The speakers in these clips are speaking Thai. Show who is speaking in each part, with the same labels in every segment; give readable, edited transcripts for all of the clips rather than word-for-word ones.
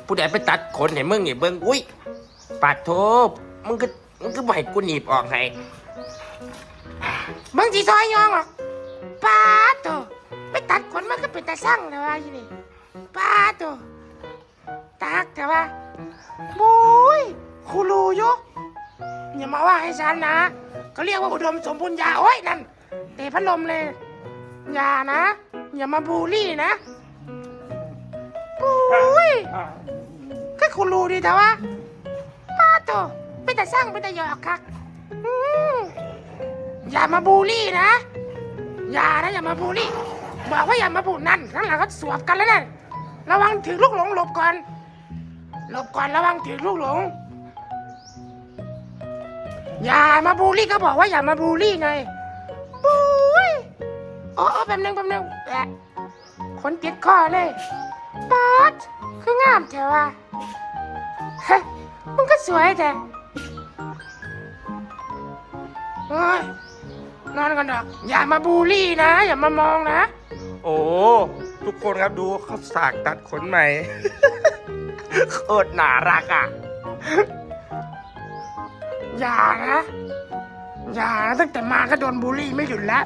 Speaker 1: ผู้ใดไปตัดขนให้มึงนี่เบิ่งอุ้ยปาดโทษมึงก็บ่ให้กูหนีบออกให้มึงสิซอยยองหรอกปาดโตไปตัดขนมันก็เป็นตาสั่งแล้วว่าอยู่นี่ปาดโตตากแต่ว่าบุ้ยคูรูอยู่อย่ามาว่าให้ฉันนะเขาเรียกว่าอุดมสมบูรณ์ยาโอ้ยนั่นเตะพัดลมเลยอย่านะอย่ามาบูลลี่นะบุ้ยก็คูรูดีแต่ว่าปาดโตเป็นตาสั่งเป็นตาหยอกคักอย่ามาบูลลี่นะอย่ามาบูลลี่บอกว่าอย่ามาบูลนั่นข้างหลังก็สวบกันแล้วนั่นระวังถือลูกหลงหลบก่อนระวังถือลูกหลงอย่ามาบูลลี่ก็บอกว่าอย่ามาบูลลี่ไงบูยโอ้แป๊บนึงแอะคนติดคอเลยป๊าดคืองามแถวว่ะเฮ้ยมึงก็สวยแต่โอ้ยนอนกันดอกอย่ามาบูลลี่นะอย่ามามองนะโอ้ทุกคนครับดูเขาสากตัดขนใหม่ โคตรน่ารักอ่ะอย่านะตั้งแต่มาก็โดนบูลลี่ไม่หยุดแล้ว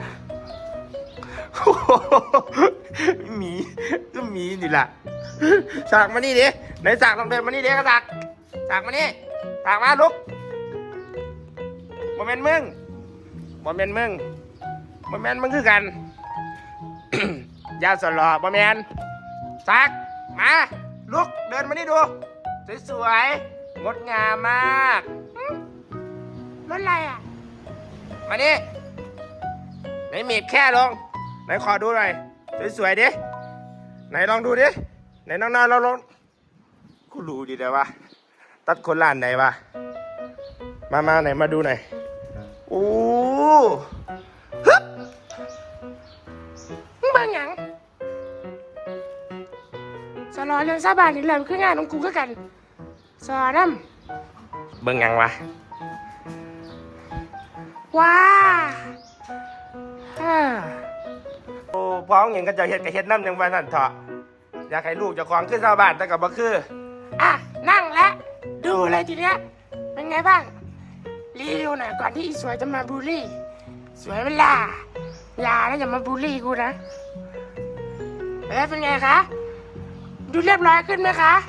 Speaker 1: มีก็มีนี่แหละสากมานี่ดิไหนสากลองเดินมานี่ดิก็สากมานี่สากมาลุกโมเมนต์มึงคือกัน ยาสลอโมเมนต์สากมาลุกเดินมานี่ดูสวยๆงดงามมากรถอะไรอ่ะมานี่ไหนเมียบแค่ลงไหนขอดูหน่อยสวยๆดิไหนลองดูดิไหนน้องๆเราลองกูรู้ดีแต่ว่าตัดคนล้านไหนวะมาไหนมาดูหน่อยโอ้ฮึบมึงบางอย่างสอนเรื่องซาบานนี่แหละคืองานของกูก็กันสอนน้ำเบิ่งยังวะว้าโอ้พ้องอย่างก็จะเฮ็ดน้ำจังว่าสั่นเถาะอยากให้ลูกเจ้าของขึ้นซาบานแต่กับบ่คืออ่ะนั่งแล้วดูเลยทีเนี้ยเป็นไงบ้างรีวิวหน่อยก่อนที่อีสวยจะมาบูลลี่สวยเวลาอย่านะอย่ามาบูลลี่กูนะเป็นไงคะดูเรียบร้อยขึ้นไหมคะ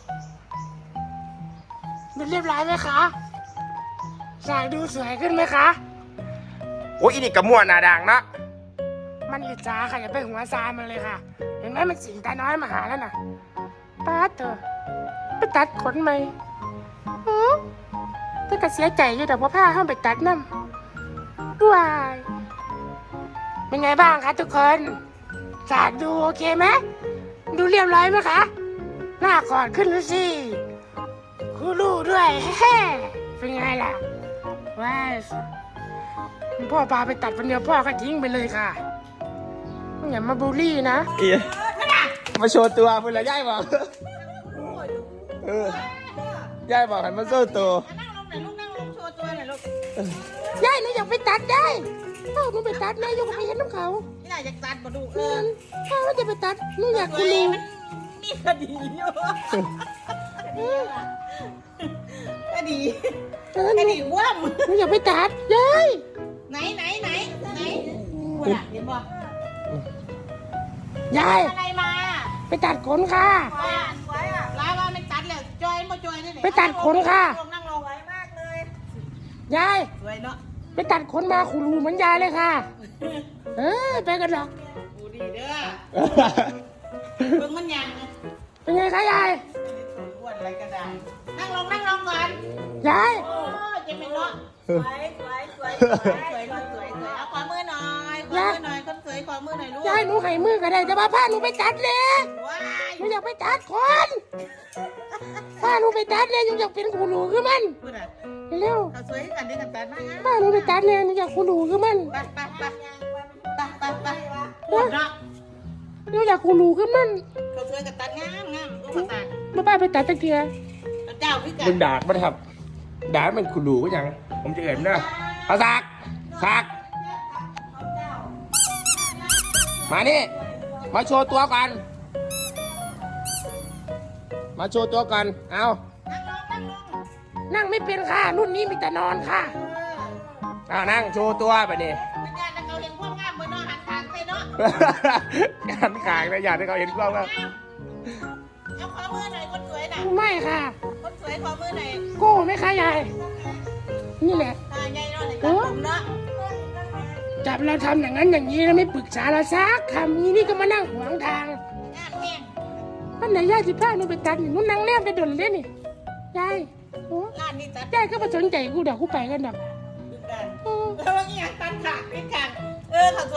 Speaker 1: ดูเรียบร้อยไหมคะสายดูสวยขึ้นไหมคะโอ้ยอีนี่กระมวลหน้าด่างนะมันอิจฉาค่ะอย่าไปหัวซามันเลยค่ะเห็นไหมมันสิงตาน้อยมาหาแล้วน่ะป้าเถอะไปตัดขนไหมแต่ก็เสียใจอยู่แต่ว่าผ้าห้ามไปตัดน้ำด้วยเป็นไงบ้างคะทุกคนสากดูโอเคไหมดูเรียบร้อยไหมคะหน้าก่อนขึ้นแล้วสิคูรูด้วยเฮ้เป็นไงล่ะว้าพ่อพาไปตัดวันเดียวพ่อก็ทิ้งไปเลยค่ะอย่ามาบูลลี่นะมาโชว์ตัวเพื่อนละย่ายบอกย่ายบอกให้มาโชว์ตัว
Speaker 2: นั่งลงโชว์ตัวหน่อยลูก
Speaker 1: ย่ายหนูอยากไปตัดได้พ่อหนูไปตัดนะยังไปเห็นน้ำเขา
Speaker 2: นี่น่าอยากตัดมาดู
Speaker 1: พ่อว่าจะไปตัดหนูอยากคูรู
Speaker 2: มีคดีอยู่คดีว่ำ
Speaker 1: หนูอยากไปตัดย่าย
Speaker 2: ไหนคุณเห็นบ่
Speaker 1: ยาย
Speaker 2: อะไรมา
Speaker 1: ไปตัดขนค่ะ
Speaker 2: สวยอ่ะลาว่าไม่ตัดเลยจอยมาจอยนี่
Speaker 1: ไปตัดขนค่ะ
Speaker 2: นั่งลงไว้มากเลย
Speaker 1: ยาย
Speaker 2: สวยเนาะ
Speaker 1: ไปตัดขนมาคูรูเหมือนยายเลยค่ะไปกันหรอก
Speaker 2: ดูดีเด้อเบิ่งมันยัง
Speaker 1: เป็นไงคะยาย
Speaker 2: อ้วนอะไรก็ได้นั่งลงก่อน
Speaker 1: ยาย
Speaker 2: โอ้จะเป็นเนาะสวยเอาขอมือหน่อยคนสวยขอมือหน่อยลูก
Speaker 1: ยายหนูให้มือก็ได้แต่ว่าผ้าหนูไปตัดเลยหนูอยากไปตัดคนผ้าหนูไปตัดเลยหนูอยากเป็นคูรูคือมันเร็ว
Speaker 2: เขาสวยกันด้วยกันตัดมา
Speaker 1: ผ้าหนูไปตัดเลยหนูอยากคูรูคือมัน
Speaker 2: ไปปวดเนาะ
Speaker 1: หนูอยากคูรูคือมัน
Speaker 2: เขาสวยกันตัดงามลูกตัด
Speaker 1: มาป้าไปตัดตะเกียบ
Speaker 2: เจ้าพี่กัน
Speaker 1: มึงด่ามันครับด่ามันคูรูก็ยังผมจะเอ่ยมันนะเอาสากมานี่มาโชว์ตัวกันมาโชว์ตัวก่อน เอา นั่งไม่เป็นค่ะ รุ่นนี้มีแต่นอนค่ะเอานั่งโชว์ตัวไปนี่
Speaker 2: เป็นญาติเขาเห็นพวกงามเหมือนน้องหันขางไปเนาะ
Speaker 1: หันขางนะอยากให้เขาเห็นกล้องว่า
Speaker 2: เอาขอมือหน่อยคนสวยน่ะ
Speaker 1: ไม่ค่ะ
Speaker 2: คนสวยขอมือหน่อย
Speaker 1: โก้ไหมคะยาย นี่แหละ
Speaker 2: ตาใหญ่เนาะในกระผมเนาะ
Speaker 1: จับเราทำอย่างนั้นอย่างนี้แล้วไม่ปรึกษาเราซักคำนี้นี่ก็มานั่งขวางทาง
Speaker 2: งามแห้ง
Speaker 1: วันไหนยายสิพาหนูไปตัดนี่หนูนั่งแนมไปดนเลยนี่ยายโอ้
Speaker 2: ร้านนี้ตัด
Speaker 1: ยายก็มาสนใจกูเดี๋ยวกูไปกันดอก
Speaker 2: ดึกดัน
Speaker 1: โอ้
Speaker 2: แล้วว่าอีหยังตัดขาดเป็นขางเขา